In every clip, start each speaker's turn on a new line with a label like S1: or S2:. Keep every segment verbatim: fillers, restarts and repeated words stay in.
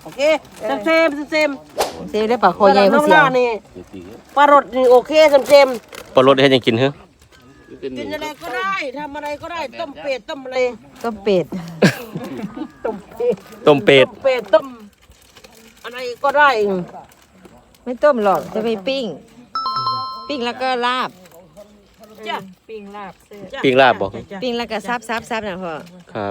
S1: โอเคเซมเซมเซม
S2: เซมได้ปลาคอใหญ่
S1: น้
S2: ผู้
S1: อง
S2: เสีย
S1: ล่านี่ปลารสนี่โอเคเซมเซม
S3: ปลารสให้ยังกินเหรอ
S1: กินอะไรก็ได้ทำอะไรก็ได้ต้มเป็ดต้มอะไร
S2: ต้มเป็ด
S1: ต้มเป็ด
S3: ต้มเป็ด
S1: ต้มเป็ดต้มอะไรก็ได้
S2: ไม่ต้มหรอกจะไปปิ้ง ปิ้งแล้วก็ลาบ
S1: จ้ะ
S4: ปิ้งลาบเสื้อ
S3: ปิ้งลาบบ่
S2: ปิ้งแล้วก็ซับซับซับนะพ่อ
S3: ครับ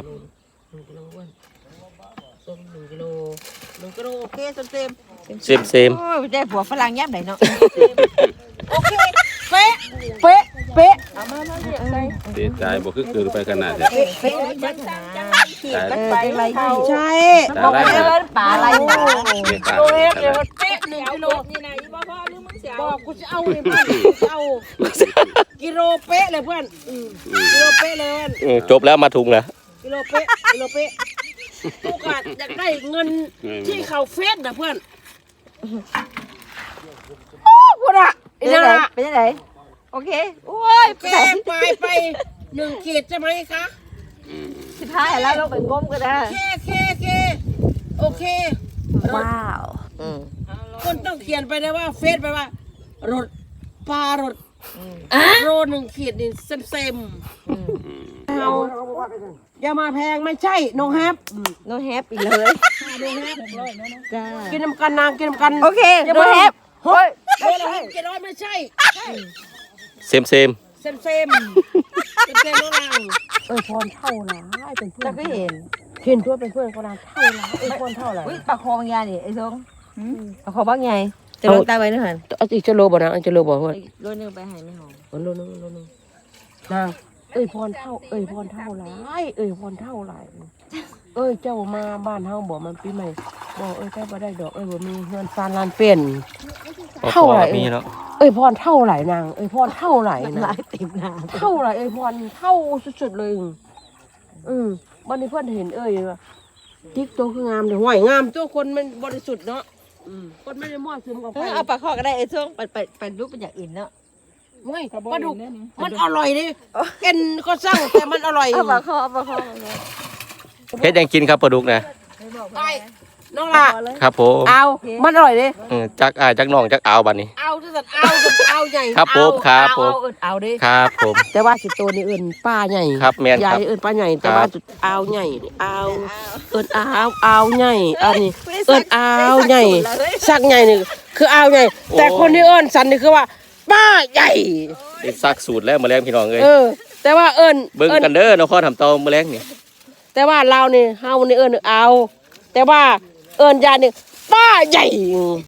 S1: ต้มหนึ่งกิโลหนึ่งกิโลโอเคเซมเซม
S3: เซมเซม
S2: โอ้ยได้ผัวฝรั่งย่ำไหนเนาะ
S1: โอเคเป๊ะเป๊ะเป๊ะ
S5: เสียใจบ่คือเกินไปขนาดนี้
S2: เป๊ะเป๊ะเป๊ะนะเออได้ไรดี
S1: ใช่
S2: บอกไปเลยปลาอะไรหนา
S5: เสียใจ
S1: โลเอฟเลยมันเป๊ะหนึ่งกิโล
S4: นี่นะอีบ่พ่อหรือมึงเสีย
S1: บอกกูจะเอาเลยเพื่อนจะเอากิโลเป๊ะเลยเพื่อนอืมกิโลเป๊ะเลยเพื่อน
S3: อืมจบแล้วมาถุงแล้ว
S1: กิโลเป๊ะกิโลเป๊ะโอกาสอยากได้เงินที่เขาเฟสนะเพื่อนโอ้พูดอะ
S2: เป็น
S1: นี่
S2: ยังไง
S1: นะ
S2: เป็นยังไงโอเคโอ้ย
S1: แกไปไปหนึ่งขีดใช่ไหมคะ
S2: สิบห้าแล้วเราไปก้มก็ได้
S1: เคเคเคโอเค
S2: ว้าวอืม
S1: คนต้องเขียนไปเลยว่าเฟซไปว่ารถปลารถโลหนึ่งขีดนี่เซมเซมเอาอย่ามาแพงไม่ใช่น้องแฮป
S2: โนแฮปอีกเลย
S1: น้องแฮป
S2: จ้า
S1: กินน้ำกันนางกินน้ำกัน
S2: โอเคโนแฮปเฮ้ย
S1: โลละหกเจ็ดร้อยไม่ใช่
S3: เซมเซม
S1: เซมเซมเซมเซมน้องนางเออพรเท่าหลายเป็นเพื่อ
S2: เรา
S1: น
S2: ก็เห็น
S1: เห็นตัวเป็นเพื่อนคนนางเท่าหลายเออพรเท่าหลาย
S2: อุ้ยปลาคอบางอย่างนี่ไอ้ทงปลาคอบางใหญ่จะลงตาไว้นะฮะ
S1: เอาอีกจะโลบ่นะอีกจะโลบ่เพื่อน
S2: โลนึงไปหายไม่หอม
S1: โลนึงโลนึงนางเอ้ยพรเท่าเอ้ยพรเท่าหลายเอ้ยพรเท่าหลายเอ้ยเจ้ามาบ้านเฮาบ่มันปีใหม่บ่เอ้ยเจ้าบ่ได้ดอกเอ้ยบ่มีเงินซานลานเป็น
S3: พอ
S1: เท่าไหร่
S3: มีเนาะ
S1: เอ้ยพรเท่าไหร่นางเอ้ยพรเท่าไหร่
S2: ห
S1: นะ
S2: ลายติ่มน้ำ
S1: เท่าไหร่เอ้ยพรเท่าสุดๆเลยอืมวันนี้เพื่อนเห็นเอ้ยว่าติ๊กตัวคืองามแต่ห่วยงามตัวคนมันบริสุทธิ์เนาะอืมคนไม่ได้มั่วซึมกับ
S2: เอ
S1: ใคร
S2: อเอาปลาคอก็ได้ไอ้ทงไปไปไปรูปเป็นอย่างอื่นเนาะ
S1: ไม่ปลาดุกมันอร่อยดิเอ็นก็สร้างแต่มันอร่อย
S2: เอาปลาคอเอาปลาคอ
S3: เฮ็ดยังกินครับปลาดุกนะ
S1: ไปน้องล่ะ
S3: ครับผม
S1: เอามันอร่อยดิ
S3: เออจักอ้ายจักน้องจักอาวบัดนี้
S1: เอาจะสัตว์เอาจะเอาใหญ่
S3: ครับผม
S1: เอา
S3: ครับผม
S1: เอาเอาเอาดิ
S3: ครับผม
S1: แต่ว่าสิโตนี่เอิ้นป้าใหญ่
S3: ครับแม่นครับ
S1: ยายเอิ้นป้าใหญ่แต่
S3: ครับ
S1: ว่าจุดเอาใหญ่เอาเอิ้นเอาเอาใหญ่อันนี้เอิ้นเอาใหญ่สักใหญ่นี่คือเอาใหญ่แต่คนที่เอิ้นสันนี่คือว่าป้าใหญ่
S3: ได้ซักสูตรแล้วมื้อแรงพี่น้องเอ้ย
S1: เออ แต่ว่าเอิ้น
S3: เบิ่ง
S1: เอิ้น
S3: กันเด้อนครทำเตามื้อแรงนี่
S1: แต่ว่าเรานี่เฮานี่เอิ้นเอา แต่ว่าเอิ้นยานี่ป้าใหญ่